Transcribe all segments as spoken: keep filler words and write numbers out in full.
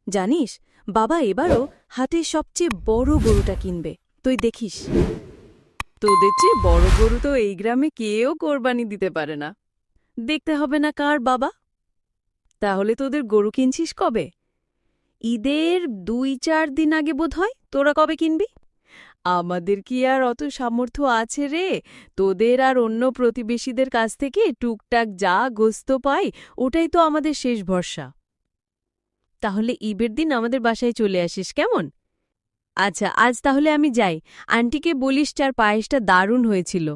জানিস, বাবা এবারও হাটের সবচেয়ে বড় গরুটা কিনবে, তুই দেখিস। তোদের চেয়ে বড় গরু তো এই গ্রামে কেউ কোরবানি দিতে পারে না। দেখতে হবে না কার বাবা। তাহলে তোদের গরু কিনছিস কবে? ঈদের দুই চার দিন আগে বোধ হয়। তোরা কবে কিনবি? আমাদের কি আর অত সামর্থ্য আছে রে? তোদের আর অন্য প্রতিবেশীদের কাছ থেকে টুকটাক যা গোস্ত পাই, ওটাই তো আমাদের শেষ ভরসা। তাহলে ঈদের দিন আমাদের বাসায় চলে আসিস, কেমন? আচ্ছা, আজ তাহলে আমি যাই। আন্টিকে বলিস চার পায়েসটা দারুণ হয়েছিল।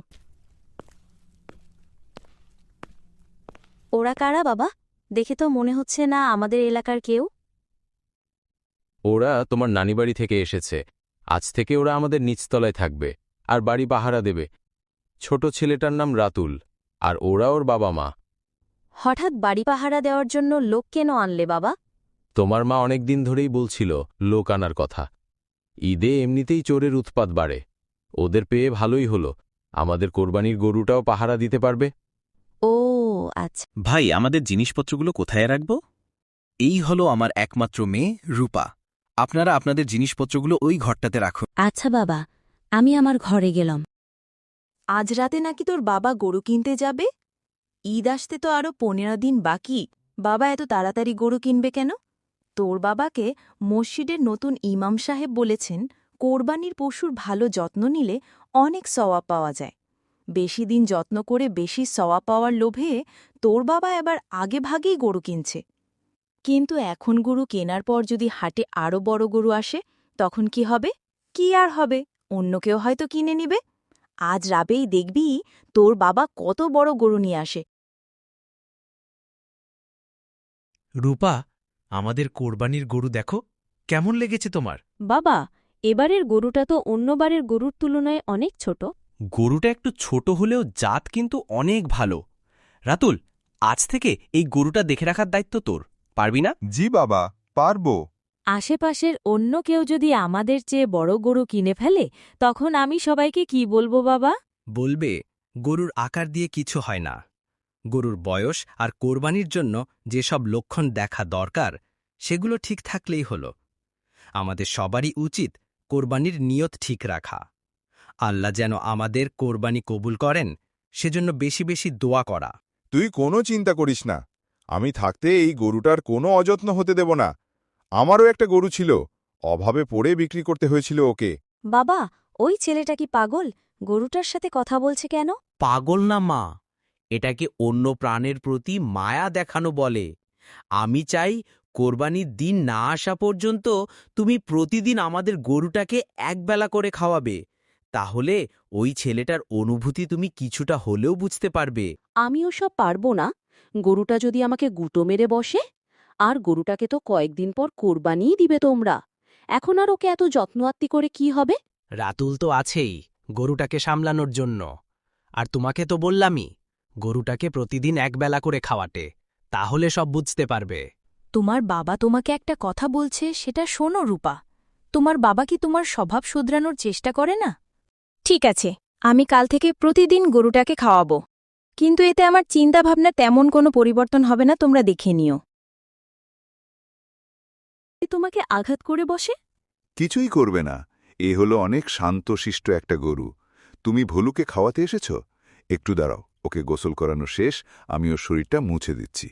ওরা কারা বাবা? দেখে তো মনে হচ্ছে না আমাদের এলাকার কেউ। ওরা তোমার নানিবাড়ি থেকে এসেছে। আজ থেকে ওরা আমাদের নিচতলায় থাকবে আর বাড়ি পাহারা দেবে। ছোট ছেলেটার নাম রাতুল, আর ওরা ওর বাবা মা। হঠাৎ বাড়ি পাহারা দেওয়ার জন্য লোক কেন আনলে বাবা? তোমার মা অনেক দিন ধরেই বলছিল লোক আনার কথা। ঈদে এমনিতেই চোরের উৎপাত বাড়ে, ওদের পেয়ে ভালোই হলো। আমাদের কোরবানির গরুটাও পাহারা দিতে পারবে। ও আচ্ছা। ভাই, আমাদের জিনিসপত্রগুলো কোথায় রাখব? এই হলো আমার একমাত্র মেয়ে রূপা। আপনারা আপনাদের জিনিসপত্রগুলো ওই ঘরটাতে রাখুন। আচ্ছা বাবা, আমি আমার ঘরে গেলাম। আজ রাতে নাকি তোর বাবা গরু কিনতে যাবে? ঈদ আসতে তো আরও পনেরো দিন বাকি। বাবা এত তাড়াতাড়ি গরু কিনবে কেন? তোর বাবাকে মসজিদের নতুন ইমাম সাহেব বলেছেন, কোরবানির পশুর ভালো যত্ন নিলে অনেক সওয়াব পাওয়া যায়। বেশি দিন যত্ন করে বেশি সওয়াব পাওয়ার লোভে তোর বাবা এবার আগে ভাগেই গরু কিনছে। কিন্তু এখন গরু কেনার পর যদি হাটে আরও বড় গরু আসে, তখন কি হবে? কি আর হবে, অন্য কেউ হয়তো কিনে নিবে। আজ রাবেই দেখবি তোর বাবা কত বড় গরু নিয়ে আসে। রূপা, আমাদের কোরবানির গরু দেখো, কেমন লেগেছে তোমার? বাবা, এবারের গরুটা তো অন্যবারের গরুর তুলনায় অনেক ছোট। গরুটা একটু ছোট হলেও জাত কিন্তু অনেক ভালো। রাতুল, আজ থেকে এই গরুটা দেখে রাখার দায়িত্ব তোর, পারবি না? জি বাবা, পারবো। আশেপাশের অন্য কেউ যদি আমাদের চেয়ে বড় গরু কিনে ফেলে, তখন আমি সবাইকে কি বলবো বাবা? বলবে, গরুর আকার দিয়ে কিছু হয় না। গরুর বয়স আর কোরবানির জন্য যেসব লক্ষণ দেখা দরকার, সেগুলো ঠিক থাকলেই হল। আমাদের সবারই উচিত কোরবানির নিয়ত ঠিক রাখা। আল্লাহ যেন আমাদের কোরবানি কবুল করেন, সেজন্য বেশি বেশি দোয়া করা। তুই কোনো চিন্তা করিস না, আমি থাকতে এই গরুটার কোনো অযত্ন হতে দেব না। আমারও একটা গরু ছিল, অভাবে পড়ে বিক্রি করতে হয়েছিল ওকে। বাবা, ওই ছেলেটা কি পাগল? গরুটার সাথে কথা বলছে কেন? পাগল না মা, এটাকে অন্য প্রাণের প্রতি মায়া দেখানো বলে। আমি চাই কোরবানির দিন না আসা পর্যন্ত তুমি প্রতিদিন আমাদের গরুটাকে একবেলা করে খাওয়াবে। তাহলে ওই ছেলেটার অনুভূতি তুমি কিছুটা হলেও বুঝতে পারবে। আমিও সব পারব না। গরুটা যদি আমাকে গুঁতো মেরে বসে? আর গরুটাকে তো কয়েকদিন পর কোরবানিই দিবে তোমরা। এখন আর ওকে এত যত্ন আত্তি করে কি হবে? রাতুল তো আছেই গরুটাকে সামলানোর জন্য। আর তোমাকে তো বললামই, গরুটাকে প্রতিদিন একবেলা করে খাওয়াতে, তাহলে সব বুঝতে পারবে। তোমার বাবা তোমাকে একটা কথা বলছে, সেটা শোনো রূপা। তোমার বাবা কি তোমার স্বভাব শুধরানোর চেষ্টা করে না? ঠিক আছে, আমি কাল থেকে প্রতিদিন গরুটাকে খাওয়াবো। কিন্তু এতে আমার চিন্তাভাবনা তেমন কোনো পরিবর্তন হবে না, তোমরা দেখে নিও। তোমাকে আঘাত করে বসে? কিছুই করবে না, এ হলো অনেক শান্তশিষ্ট একটা গরু। তুমি ভলুকে খাওয়াতে এসেছ? একটু দাঁড়াও, ওকে গোসল করানো শেষ, আমি ওর শরীরটা মুছে দিচ্ছি।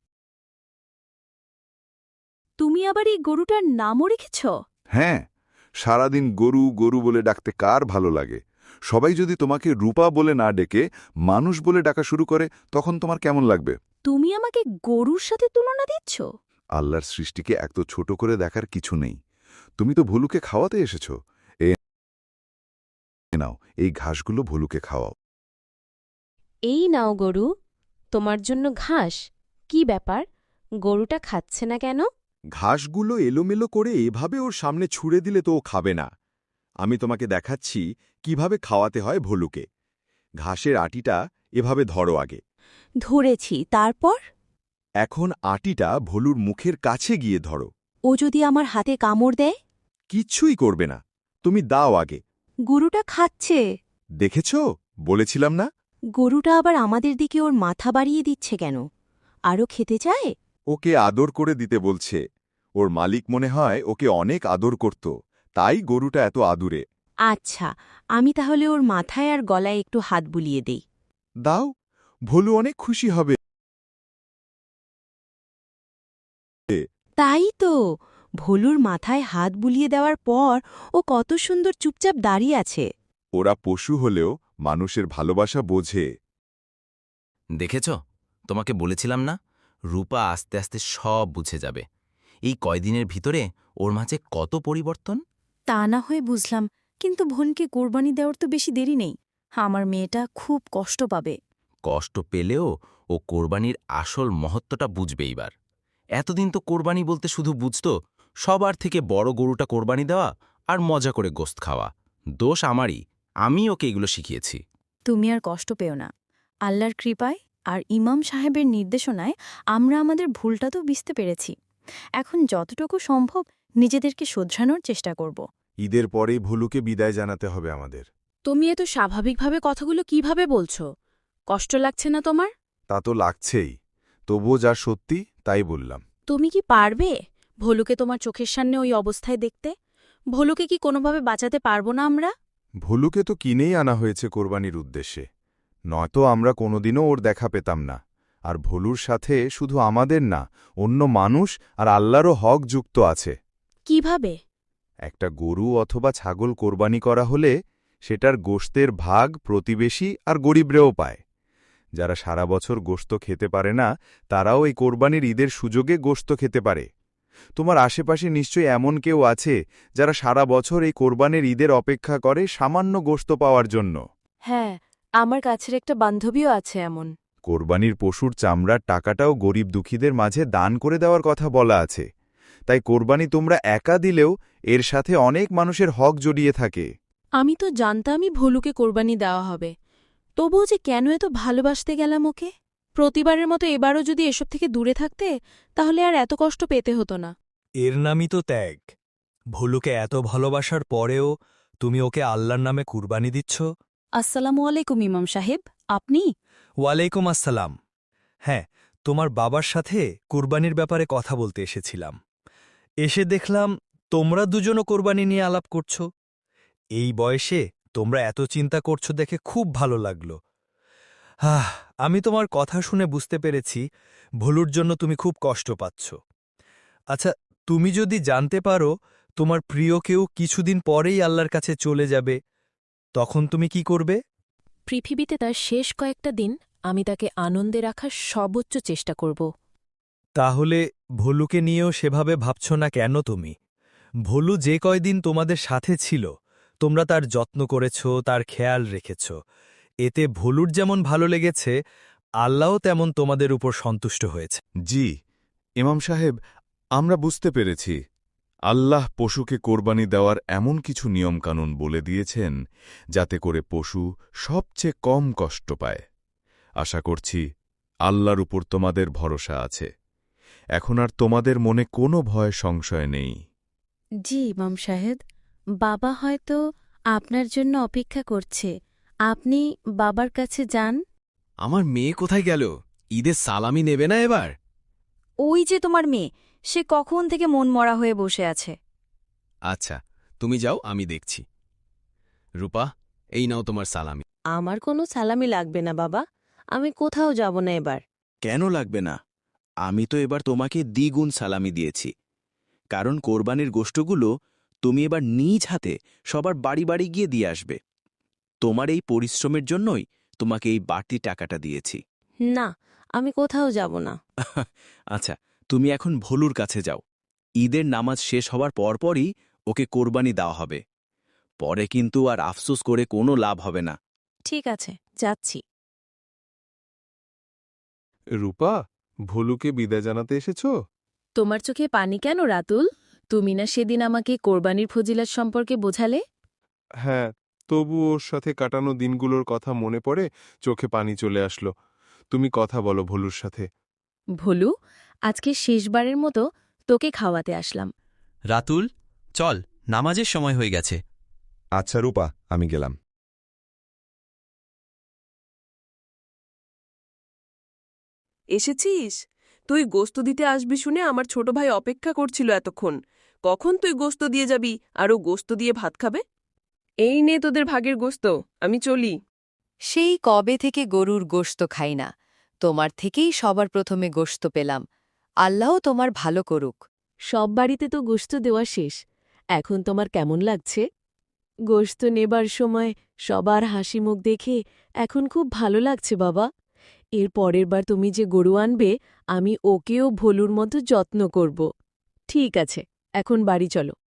তুমি আবার এই গরুটার নামও রেখেছ? হ্যাঁ, সারাদিন গরু গরু বলে ডাকতে কার ভালো লাগে? সবাই যদি তোমাকে রূপা বলে না ডেকে মানুষ বলে ডাকা শুরু করে, তখন তোমার কেমন লাগবে? তুমি আমাকে গরুর সাথে তুলনা দিচ্ছ? আল্লাহর সৃষ্টিকে এত ছোট করে দেখার কিছু নেই। তুমি তো ভলুকে খাওয়াতে এসেছ, এ নাও, এই ঘাসগুলো ভলুকে খাওয়াও। এই নাও গরু, তোমার জন্য ঘাস। কি ব্যাপার, গরুটা খাচ্ছে না কেন? ঘাসগুলো এলোমেলো করে এভাবে ওর সামনে ছুঁড়ে দিলে তো ও খাবে না। আমি তোমাকে দেখাচ্ছি কিভাবে খাওয়াতে হয় ভলুকে। ঘাসের আটিটা এভাবে ধরো আগে। ধরেছি, তারপর? এখন আটিটা ভলুর মুখের কাছে গিয়ে ধরো। ও যদি আমার হাতে কামড় দেয়? কিচ্ছুই করবে না, তুমি দাও আগে। গরুটা খাচ্ছে। দেখেছ, বলেছিলাম না? গরুটা আবার আমাদের দিকে ওর মাথা বাড়িয়ে দিচ্ছে কেন? আরও খেতে চায়? ওকে আদর করে দিতে বলছে। ও ওর মালিক মনে হয় ওকে অনেক আদর করত, তাই গরুটা এত আদুরে। আচ্ছা, আমি তাহলে ওর মাথায় আর গলায় একটু হাত বুলিয়ে দেই। দাও, ভোলু অনেক খুশি হবে। তাই তো, ভোলুর মাথায় হাত বুলিয়ে দেওয়ার পর ও কত সুন্দর চুপচাপ দাঁড়িয়ে আছে। ওরা পশু হলেও মানুষের ভালোবাসা বোঝে। দেখেছ, তোমাকে বলেছিলাম না, রূপা আস্তে আস্তে সব বুঝে যাবে। এই কয়দিনের ভিতরে ওর মাঝে কত পরিবর্তন। তা না হয় বুঝলাম, কিন্তু বোনকে কোরবানি দেওয়ার তো বেশি দেরি নেই। আমার মেয়েটা খুব কষ্ট পাবে। কষ্ট পেলেও ও কোরবানির আসল মহত্বটা বুঝবে এইবার। এতদিন তো কোরবানি বলতে শুধু বুঝত সবার থেকে বড় গরুটা কোরবানি দেওয়া আর মজা করে গোস্ত খাওয়া। দোষ আমারই, আমি ওকে এগুলো শিখিয়েছি। তুমি আর কষ্ট পেও না। আল্লাহর কৃপায় আর ইমাম সাহেবের নির্দেশনায় আমরা আমাদের ভুলটা তো বুঝতে পেরেছি। এখন যতটুকু সম্ভব নিজেদেরকে শোধরানোর চেষ্টা করব। ঈদের পরেই ভোলুকে বিদায় জানাতে হবে আমাদের। তুমি এত স্বাভাবিকভাবে কথাগুলো কিভাবে বলছো? কষ্ট লাগছে না তোমার? তা তো লাগছেই, তবুও যা সত্যি তাই বললাম। তুমি কি পারবে ভোলুকে তোমার চোখের সামনে ওই অবস্থায় দেখতে? ভোলুকে কি কোনোভাবে বাঁচাতে পারবো না আমরা? ভোলুকে তো কিনেই আনা হয়েছে কোরবানির উদ্দেশ্যে, নয়তো আমরা কোনোদিনও ওর দেখা পেতাম না। আর ভোলুর সাথে শুধু আমাদের না, অন্য মানুষ আর আল্লাহরও হক যুক্ত আছে। কিভাবে? একটা গরু অথবা ছাগল কোরবানি করা হলে সেটার গোশতের ভাগ প্রতিবেশী আর গরিবরেও পায়। যারা সারা বছর গোশত খেতে পারে না, তারাও এই কোরবানির ঈদের সুযোগে গোশত খেতে পারে। তোমার আশেপাশে নিশ্চয়ই এমন কেউ আছে যারা সারা বছর এই কোরবানির ঈদের অপেক্ষা করে সামান্য গোশত পাওয়ার জন্য। হ্যাঁ, আমার কাছের একটা বান্ধবীও আছে এমন। কোরবানির পশুর চামড়ার টাকাটাও গরিব দুঃখীদের মাঝে দান করে দেওয়ার কথা বলা আছে। তাই কোরবানি তোমরা একা দিলেও এর সাথে অনেক মানুষের হক জড়িয়ে থাকে। আমি তো জানতামই ভোলুকে কোরবানি দেওয়া হবে, তবুও যে কেন এত ভালোবাসতে গেলাম ওকে। প্রতিবারের মতো এবারও যদি এসব থেকে দূরে থাকতে, তাহলে আর এত কষ্ট পেতে হতো না। এর নামই তো ত্যাগ। ভোলুকে এত ভালোবাসার পরেও তুমি ওকে আল্লাহর নামে কুরবানি দিচ্ছ। আসসালামু আলাইকুম ইমাম সাহেব, আপনি? ওয়ালাইকুম আসসালাম। হ্যাঁ, তোমার বাবার সাথে কুরবানির ব্যাপারে কথা বলতে এসেছিলাম। এসে দেখলাম তোমরা দুজনও কোরবানি নিয়ে আলাপ করছো। এই বয়সে তোমরা এত চিন্তা করছো দেখে খুব ভালো লাগলো। আহ আমি তোমার কথা শুনে বুঝতে পেরেছি ভোলুর জন্য তুমি খুব কষ্ট পাচ্ছ। আচ্ছা, তুমি যদি জানতে পারো তোমার প্রিয় কেউ কিছুদিন পরেই আল্লাহর কাছে চলে যাবে, তখন তুমি কি করবে? পৃথিবীতে তার শেষ কয়েকটা দিন আমি তাকে আনন্দে রাখার সর্বোচ্চ চেষ্টা করব। তাহলে ভোলুকে নিয়েও সেভাবে ভাবছ না কেন তুমি? ভোলু যে কয়দিন তোমাদের সাথে ছিল, তোমরা তার যত্ন করেছ, তার খেয়াল রেখেছ। এতে ভোলুর যেমন ভালো লেগেছে, আল্লাহও তেমন তোমাদের উপর সন্তুষ্ট হয়েছে। জি ইমাম সাহেব, আমরা বুঝতে পেরেছি। আল্লাহ পশুকে কোরবানি দেওয়ার এমন কিছু নিয়মকানুন বলে দিয়েছেন যাতে করে পশু সবচেয়ে কম কষ্ট পায়। আশা করছি আল্লাহর উপর তোমাদের ভরসা আছে। এখন আর তোমাদের মনে কোনো ভয় সংশয় নেই। জি ইমাম সাহেব, বাবা হয়তো আপনার জন্য অপেক্ষা করছে। আপনি বাবার কাছে যান। আমার মেয়ে কোথায় গেল? ঈদের সালামি নেবে না এবার? ওই যে তোমার মেয়ে, সে কখন থেকে মন মরা হয়ে বসে আছে। আচ্ছা, তুমি যাও, আমি দেখছি। রূপা, এই নাও তোমার সালামি। আমার কোনো সালামি লাগবে না বাবা, আমি কোথাও যাব না এবার। কেন লাগবে না? আমি তো এবার তোমাকে দ্বিগুণ সালামি দিয়েছি, কারণ কোরবানির গোশতগুলো তুমি এবার নিজ হাতে সবার বাড়ি বাড়ি গিয়ে দিয়ে আসবে। তোমার এই পরিশ্রমের জন্যই তোমাকে এই বাড়তি টাকাটা দিয়েছি। না, আমি কোথাও যাব না। আচ্ছা, তুমি এখন ভোলুর কাছে যাও। ঈদের নামাজ শেষ হওয়ার পরপরই ওকে কোরবানি দেওয়া হবে। পরে কিন্তু আর আফসোস করে কোনো লাভ হবে না। ঠিক আছে, যাচ্ছি। রূপা, ভোলুকে বিদায় জানাতে এসেছ? তোমার চোখে পানি কেন রাতুল? তুমি না সেদিন আমাকে কোরবানির ফজিলত সম্পর্কে বোঝালে? হ্যাঁ, তবু ওর সাথে কাটানো দিনগুলোর কথা মনে পড়ে চোখে পানি চলে আসলো। তুমি কথা বলো ভোলুর সাথে। ভোলু, আজকে শেষবারের মতো তোকে খাওয়াতে আসলাম। রাতুল, চল, নামাজের সময় হয়ে গেছে। আচ্ছা রূপা, আমি গেলাম। এসেছিস? তুই গোস্ত দিতে আসবি শুনে আমার ছোট ভাই অপেক্ষা করছিল এতক্ষণ। কখন তুই গোস্ত দিয়ে যাবি আর ও গোস্ত দিয়ে ভাত খাবে? এই নে তোদের ভাগের গোস্ত, আমি চলি। সেই কবে থেকে গরুর গোশত খাই না, তোমার থেকেই সবার প্রথমে গোশত পেলাম। আল্লাহ তোমার ভালো করুক। সব বাড়িতে তো গোশত দেওয়া শেষ, এখন তোমার কেমন লাগছে? গোশত নেবার সময় সবার হাসি মুখ দেখে এখন খুব ভালো লাগছে বাবা। এর পরের বার তুমি যে গরু আনবে, আমি ওকেও ভোলুর মতো যত্ন করব। ঠিক আছে, এখন বাড়ি চলো।